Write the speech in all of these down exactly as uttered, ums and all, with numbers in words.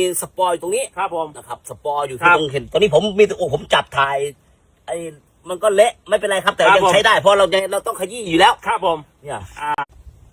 สปอยตรงนี้ครับผมนะครับสปอยอยู่ที่ตรงเห็นตอนนี้ผมมีโอ้ผมจับถ่ายไอ้มันก็เละไม่เป็นไรครับแต่ยังใช้ได้เพราะเรายังเราต้องขยี้อยู่แล้วครับผมเนี่ยอ่า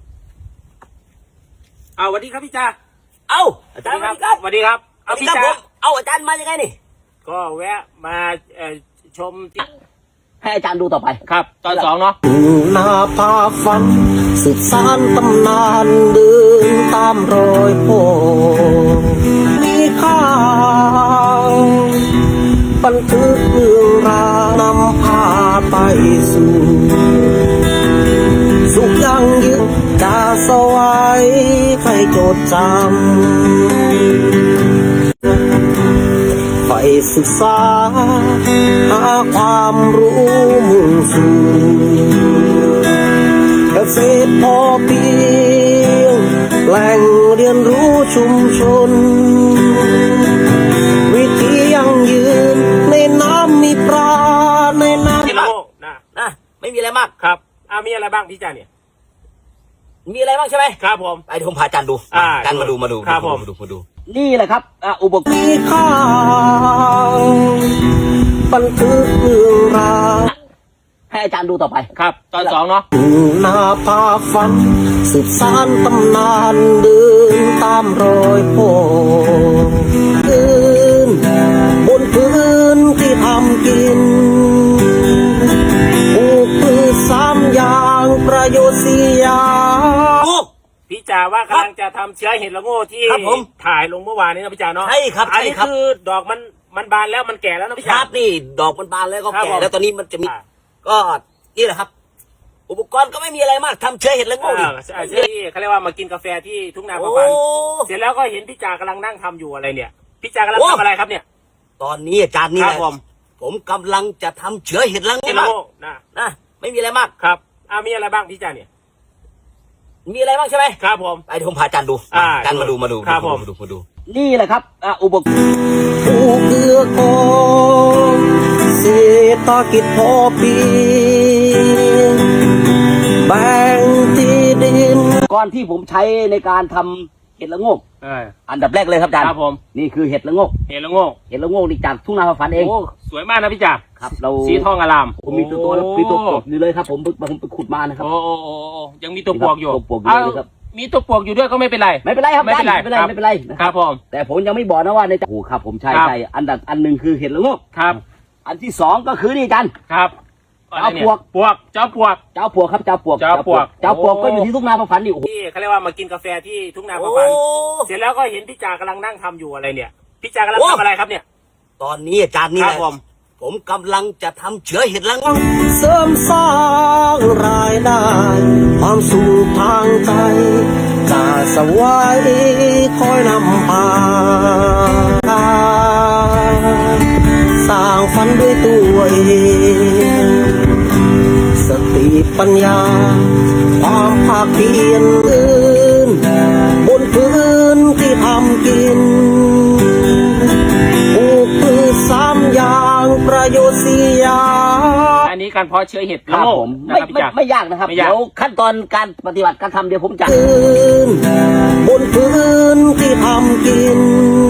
เอาสวัสดีครับพี่จ่าเอ้าอาจารย์สวัสดีครับสวัสดีครับเอาพี่จ่าเอาอาจารย์มายังไงนี่ก็แวะมาชมให้อาจารย์ดูต่อไปครับตอนสองเนาะนาพาฝันสืบสานตำนานเดินตามรอยพ่อมีข้าวบันทึกเรื่องราวนำพาไปสู่สุขยังยืนจะสวายใครจดจำไปศึกษาหาความรู้มุ่งสู่เกษตรพอเพียงแหล่งเรียนรู้ชุมชนวิธียั่งยืนในน้ำมีปลาในน้ำนะนะไม่มีอะไรมากครับอ่ามีอะไรบ้างพี่จ่าเนี่ยมีอะไรบ้างใช่ไหมครับผมไปผมพาอาจารย์ดูอาจารย์มาดูมาดูครับผมมาดูมาดูนี่แหละครับอุปกรณ์มีข้าวบันทึกเรื่องราวให้อาจารย์ดูต่อไปครับตอนสองเนาะนาพาฝันสืบสานตำนานเดินตามรอยพ่อเดินบนพื้นที่ทำกินปลูกพืชสามอย่างประโยชน์สี่อย่างพี่จ่าว่ากำลังจะทำเชื้อเห็ดละโง่ที่ถ่ายลงเมื่อวานนี้นะพี่จ่าเนาะใช่ครับอันนี้คือดอกมันมันบานแล้วมันแก่แล้วนะพี่จ่าครับนี่ดอกมันบานแล้วก็แก่แล้วตอนนี้มันจะมีก็นี่แหละครับอุปกรณ์ก็ไม่มีอะไรมากทำเชื้อเห็ดละโง่ดิใช่ที่เขาเรียกว่ามากินกาแฟที่ทุ่งนาประพันธ์เสร็จแล้วก็เห็นพี่จ่ากำลังนั่งทำอยู่อะไรเนี่ยพี่จ่ากำลังทำอะไรครับเนี่ยตอนนี้อาจารย์นี่แหละผมผมกำลังจะทำเชื้อเห็ดละโง่นะนะไม่มีอะไรมากครับอ่ามีอะไรบ้างพี่จ่าเนี่ยมีอะไรบ้างใช่ไหมครับผมไปผมพาอาจารย์ดูอาจารย์มาดูมาดูครับผมมาดูมาดูนี่แหละครับอุปกรณ์ผู้เกื้อกูลเศรษฐกิจพอเพียงแบ่งที่ดินก่อนที่ผมใช้ในการทำเห็ดละโงกอันดับแรกเลยครับอาจารย์ครับผมนี่คือเห็ดละโงกเห็ดละโงกเห็ดละโงกนี่จากทุ่งนาประพันธ์เองสวยมากนะพี่จ่าครับเราสีทองอลามผมมีตัวตัวมีตัวปลวกอยู่เลยครับผมผมไปขุดมานะครับโอ้โอ้ยังมีตัวปลวกอยู่ตัวปลวกอยู่เลยครับมีตัวปลวกอยู่ด้วยก็ไม่เป็นไรไม่เป็นไรครับไม่เป็นไรไม่เป็นไรไม่เป็นไรครับผมแต่ผมยังไม่บอกนะว่าในโอ้ครับผมใช่ใช่อันดับอันหนึ่งคือเห็ดละโงกครับอันที่สองก็คือนี่จันครับเจ้าปลวกปลวกเจ้าปลวกเจ้าปลวกครับเจ้าปลวกเจ้าปลวกเจ้าปลวกก็อยู่ที่ทุ่งนาประพันธ์นี่ที่เขาเรียกว่ามากินกาแฟที่ทุ่งนาประพันธ์เสร็จแล้วก็เห็นพี่จ่ากำลังนั่งทำอยู่อะไรเนี่ยพี่จ่ากำลังทำอะไรครับเนี่ยตอนนี้อาจารย์นี่แหละผมผมกำลังจะทำเชื้อเห็ดละโงกเสริมสร้างรายได้ความสุขทางใจจะสวายคอยนำพาสร้างฝันด้วยตัวเองสติปัญญาความภาคเพียรบนพื้นที่ทำกินปลูกพืชสามอย่างประโยชน์สี่อย่างอันนี้การเพาะเชื้อเห็ดละโงกไม่ไม่ไม่ยากนะครับเดี๋ยวขั้นตอนการปฏิบัติการทำเดี๋ยวผมจะบนพื้นที่ทำกิน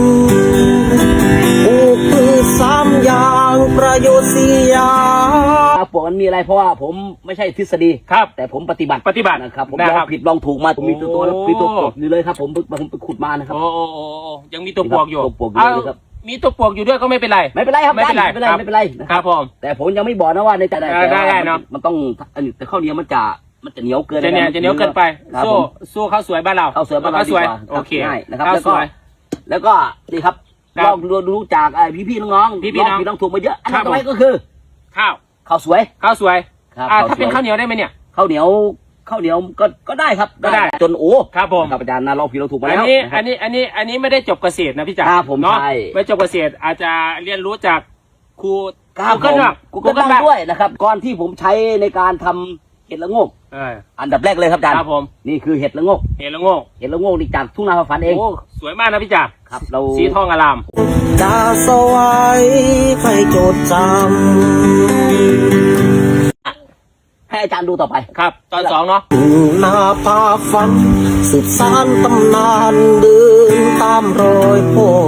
ปลูกพืชสามอย่างประโยชน์สี่อย่างปลวกมันมีอะไรเพราะว่าผมไม่ใช่ทฤษฎีครับแต่ผมปฏิบัติปฏิบัตินะครับผมลองผิดลองถูกมาผมมีตัวตัวมีตัวปลวกอยู่เลยครับผมผมไปขุดมานะครับโอ้โอ้ยังมีตัวปลวกอยู่ตัวปลวกอยู่เลยครับมีตัวปลวกอยู่ด้วยก็ไม่เป็นไรไม่เป็นไรครับไม่เป็นไรไม่เป็นไรไม่เป็นไรครับผมแต่ผมยังไม่บอกนะว่าในแต่ได้ได้เนาะมันต้องแต่ข้าวเหนียวมันจะมันจะเหนียวเกินจะเนี่ยจะเหนียวเกินไปสู้สู้ข้าวสวยบ้านเราข้าวสวยบ้านเราสวยโอเคนะครับแล้วก็แล้วก็นี่ครับลองดูจากพี่พี่น้องๆพี่พี่น้องพี่น้องถูกมาเยอะอันต่อไปก็คือข้าวข้าวสวยข้าวสวยอ่าถ้าเป็นข้าวเหนียวได้ไหมเนี่ยข้าวเหนียวข้าวเหนียวก็ก็ได้ครับก็ได้จนโอ้ครับผมอาจารย์นะเราผิดเราถูกมาแล้วอันนี้อันนี้อันนี้อันนี้ไม่ได้จบเกษตรนะพี่จ๋าผมใช่ไม่จบเกษตรอาจจะเรียนรู้จากครูกูเกิลกูเกิลด้วยนะครับก่อนที่ผมใช้ในการทำเห็ดละโงกอันดับแรกเลยครับอาจารย์ครับผมนี่คือเห็ดละโงกเห็ดละโงกเห็ดละโงกนี่จากทุ่งนาประพันธ์เองสวยมากนะพี่จ๋าครับเราสีทองอลามจะสวายใครจดจำให้ให้อาจารย์ดูต่อไปครับ ตอนสองเนาะนาพาฝันสืบสานตำนานเดินตามรอยพ่อ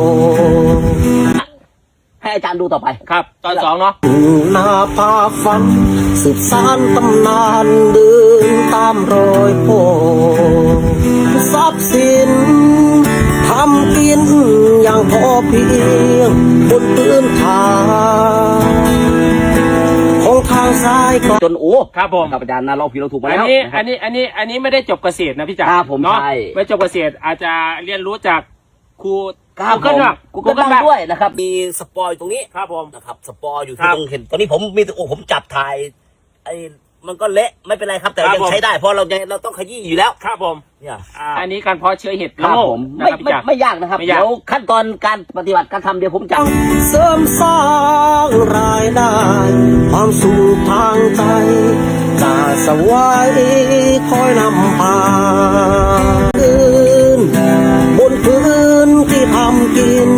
ให้อาจารย์ดูต่อไปครับ ตอนสองเนาะนาพาฝันสืบสานตำนานเดินตามรอยพ่อทรัพย์สินทำกินอย่างพอเพียงบนพื้นฐานของทางซ้ายก็จนโอ้ครับผมครับอาจารย์นะเราผิดเราถูกมาอันแล้วนี้ะคอัรับนนี้ อันนี้ อันนี้ไม่ได้จบเกษตรนะพี่จ๋าครับผมเนาะใช่ไม่จบเกษตรอาจจะเรียนรู้จากครูครับกูเกิลบ้างกูก็นั่งด้วยนะครับมีสปอยตรงนี้ครับผมนะครับสปอยอยู่ครัที่บตรงเห็นตอนนี้ผมมีแต่โอ้ผมจับถ่ายไอ้มันก็เละไม่เป็นไรครับ แต่ครับยังผมใช้ได้เพราะเรายังเราต้องขยี้อยู่แล้วครับผมเนี่ยอ่าอันนี้การเพาะเชื้อเห็ดครัละบโงกผมนะไม่ครับพี่ไม่จ๋าไม่ยากนะครับไม่ยากเดี๋ยวขั้นตอนการปฏิบัติการทำเดี๋ยวผมจับเสริมสร้างรายได้ความสุขทางใจจะสวายคอยนำพาคืนบนพื้นที่ทำกิน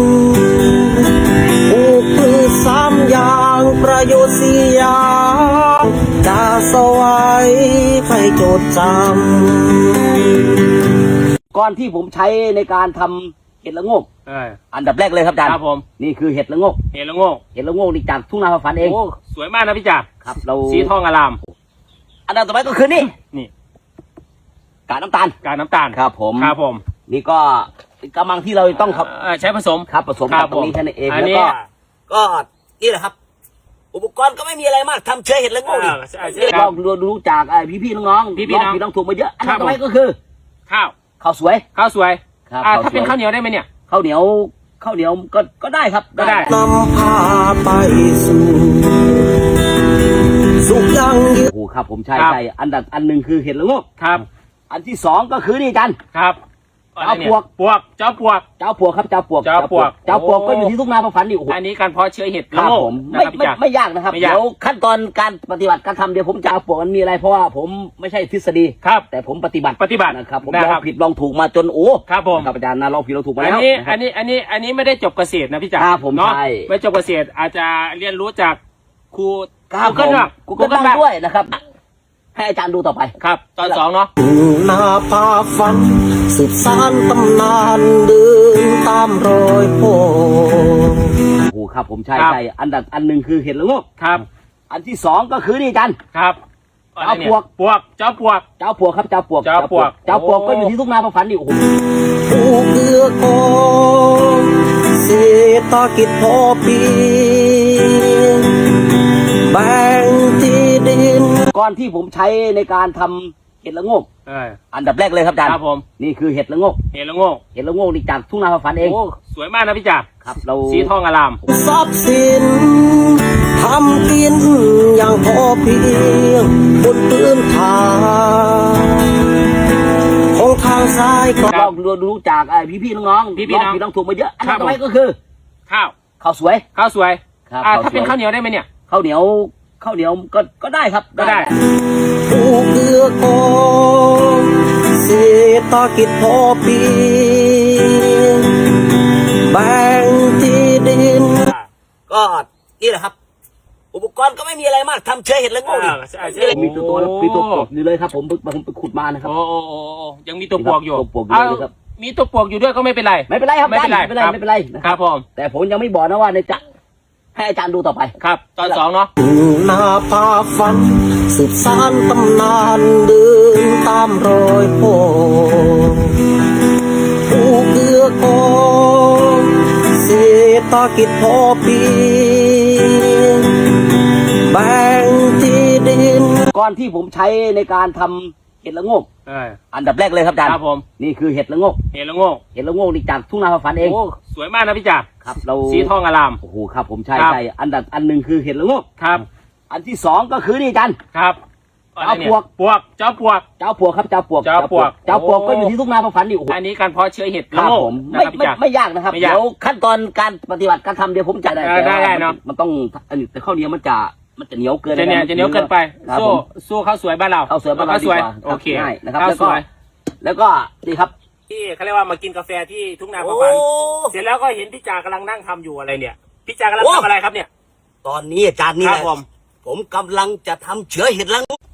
ปลูกพืชสามอย่างประโยชน์สี่อย่างจะสวายใครจดจำก่อนที่ผมใช้ในการทำเห็ดละโงกเอออันดับแรกเลยครับอาจารย์ครับผมนี่คือเห็ดละโงกเห็ดละโงกเห็ดละโงกนี่จากทุ่งนาฟ้าฝันเองโอ้สวยมากนะพี่จ๋าครับเราสีทองอารามอันดับต่อไปก็คือนี่นี่กากน้ำตาลกากน้ำตาลครับผมครับผมนี่ก็กำลังที่เราต้องครับเอ่อใช้ผสมครับผสมครักับบ ตรงนี้ผมแค่นั้นเองอันแล้วนี้ก็ก็นี่แหละครับ อุปกรณ์ก็ไม่มีอะไรมากทำเชื้อเห็ดละโงกนี่อ่าใช่ใช่ลองดูดูจากพี่พี่ๆน้องๆพี่ๆน้องพี่น้องถูกมาเยอะอันครัดับบ ต่อไปผมก็คือข้าวข้าวสวยข้าวสวยครับอ่าข้าวสวยถ้าเป็นข้าวเหนียวได้ไหมเนี่ยข้าวเหนียวข้าวเหนียวก็ก็ได้ครับก็ได้นำพาไปสู่สุขยั่งยืนโอ้โหครับผมใช่ครับใช่อันดับอันหนึ่งคือเห็ดละโงกครับอันที่สองก็คือนี่อาจันครับเจ้าปวกปวก เจ้าปวกเจ้าปวกครับเจ้าปวกเจ้าปวกเจ้าปวกโอ้ก็อยู่ที่ทุ่งนาฟ้าฝันนี่โอ้โหอันนี้การเพาะเชื้อเห็ดคละรับโงกผมนะไม่ครับพี่ไม่จ๋าไม่ยากนะครับไม่ยากเดี๋ยวขั้นตอนการปฏิบัติการทำเดี๋ยวผมจะเอาปวกมันมีอะไรเพราะว่าผมไม่ใช่ทฤษฎีครับแต่ผมปฏิบัติปฏิบัตินะครับผมนะลอครังบผิดลองถูกมาจนโอ้ครับผมครับอาจารย์นะลองผิดลองถูกมาอันแล้วนี้นะครับอันนี้ อันนี้ อันนี้ไม่ได้จบเกษตรนะพี่จ๋าครับผมเนาะใช่ไม่จบเกษตรอาจจะเรียนรู้จากครูครับกูเกิลบ้างกูก็นั่งด้วยนะครับให้อาจารย์ดูต่อไปครับ ตอนสองเนาะนาพาฝันสืบสานตำนานเดินตามรอยพ่อโอ้โหครับผมใช่ครับใช่อันดับอันหนึ่งคือเห็ดละโงกครับอันที่สองก็คือนี่อาจันครับเจ้าปวกปวก เจ้าปวกเจ้าปวกครับเจ้าปวกเจ้าปวกเจ้าปวกโอ้ก็อยู่ที่ทุ่งนาฟ้าฝันนี่โอ้โหผู้เกื้อกองเศรษฐกิจพอเพียงแบ่งที่ดินก่อนที่ผมใช้ในการทำเห็ดละโงกเอออันดับแรกเลยครับอาจารย์ครับผมนี่คือเห็ดละโงกเห็ดละโงกเห็ดละโงกนี่จากทุ่งนาฟ้าฝันเองโอ้สวยมากนะพี่จ๋าครับเราสีทองอารามทรัพย์สินทำกินอย่างพอเพียงบนพื้นฐานของทางซ้ายก็ลองดูดูจากพี่พี่ๆน้องๆพี่ๆน้องผิดลองถูกมาเยอะอันครัดับบ ต่อไปผมก็คือข้าวข้าวสวยข้าวสวยครับอ่าข้าวสวยถ้าเป็นข้าวเหนียวได้ไหมเนี่ยข้าวเหนียวข้าวเหนียวก็ก็ได้ครับก็ได้ผู้เกื้อกองเศรษฐกิจพอเพียงแบ่งที่ดินก็นี่แหละครับ อุปกรณ์ก็ไม่มีอะไรมากทำเชื้อเห็ดละโงกนี่อ่าใช่ใช่มีตัวตัวมีตัวปวกอยู่เลยครับ ผมผมไปขุดมานะครับโอ้โอ้โอ้โอ้ยังมีตัวปวกอยู่ตัวปวกอยู่เอาเลยครับมีตัวปวกอยู่ด้วยก็ไม่เป็นไรไม่เป็นไรครับไม่เป็นไรไม่เป็นไรครับไม่เป็นไรนะคครัรับบ ผมแต่ผมยังไม่บอกนะว่าในจะให้อาจารย์ดูต่อไปครับ ตอนสองเนาะนาพาฝันสืบสานตำนานเดินตามรอยพ่อผู้เกื้อกองเศรษฐกิจพอเพียงแบ่งที่ดินก่อนที่ผมใช้ในการทำเห็ดละโงกเอออันดับแรกเลยครับอาจารย์ครับผมนี่คือเห็ดละโงกเห็ดละโงกเห็ดละโงกนี่จากทุ่งนาฟ้าฝันเองโอ้สวยมากนะพี่จ๋าครับเราสีทองอารามโอ้โหครับผมใช่ครับใช่อันดับอันหนึ่งคือเห็ดละโงกครับอันที่สองก็คือนี่อาจันครับเจ้าปวกปวก เจ้าปวกเจ้าปวกครับเจ้าปวกเจ้าปวกเจ้าปวกโอ้ก็อยู่ที่ทุ่งนาฟ้าฝันนี่โอ้โหอันนี้การเพาะเชื้อเห็ดคละรับโงกผมนะไม่ครับพี่ไม่จ๋าไม่ยากนะครับไม่ยากเดี๋ยวขั้นตอนการปฏิบัติการทำเดี๋ยวผมจะได้ได้ได้ได้เนอะมันต้องอันนี้แต่ข้าวเหนียวมันจะมันจะเหนียวเกินจะเนี่ยจะเหนียวเกินไปครับสู้ผมสู้ข้าวสวยบ้านเราข้าวสวยบ้านเราข้าวสวยดีกว่าโอเคง่ายนะครับข้าวแล้วสก็วยแล้วก็นี่ครับที่เขาเรียกว่ามากินกาแฟที่ทุ่งนาฟ้าฝันเสร็จแล้วก็เห็นพี่จากกำลังนั่งทำอยู่อะไรเนี่ยพี่จากำลังโอ้ทำอะไรครับเนี่ยตอนนี้อาจารย์นี่คแหรับละผมผมกำลังจะทำเชื้อเห็ดละโงก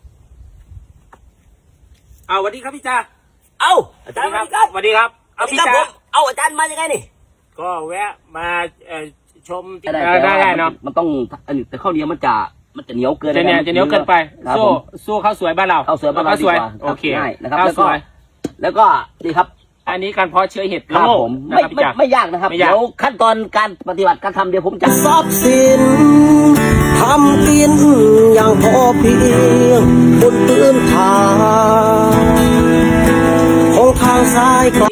เอาสวัสดีครับพี่จ่าเอ้าอาจารย์สวัสดีครับสวัสดีครับเอาเอาพี่พี่ครับจ่าผมเอาอาจารย์มายังไงนี่ก็แวะมาเอ่อชมได้เออได้ได้เนาะมันต้องอันนี้แต่ข้าวเหนียวมันจะมันจะเหนียวเกินจะเนี่ยจะเหนียวเกินไปครับสู้ผมสู้ข้าวสวยบ้านเราข้าวสวยบ้านเราข้าวสวยดีกว่าโอเคง่ายนะครับข้าวแล้วสก็วยแล้วก็นี่ครับอันนี้การเพาะเชื้อเห็ดครัละบโงกผมนะไม่ครับพี่ไม่จ่าไม่ยากนะครับไม่ยากเดี๋ยวขั้นตอนการปฏิบัติการทำเดี๋ยวผมจะทรัพย์สินทำกินอย่างพอเพียงบนพื้นฐานของทางซ้าย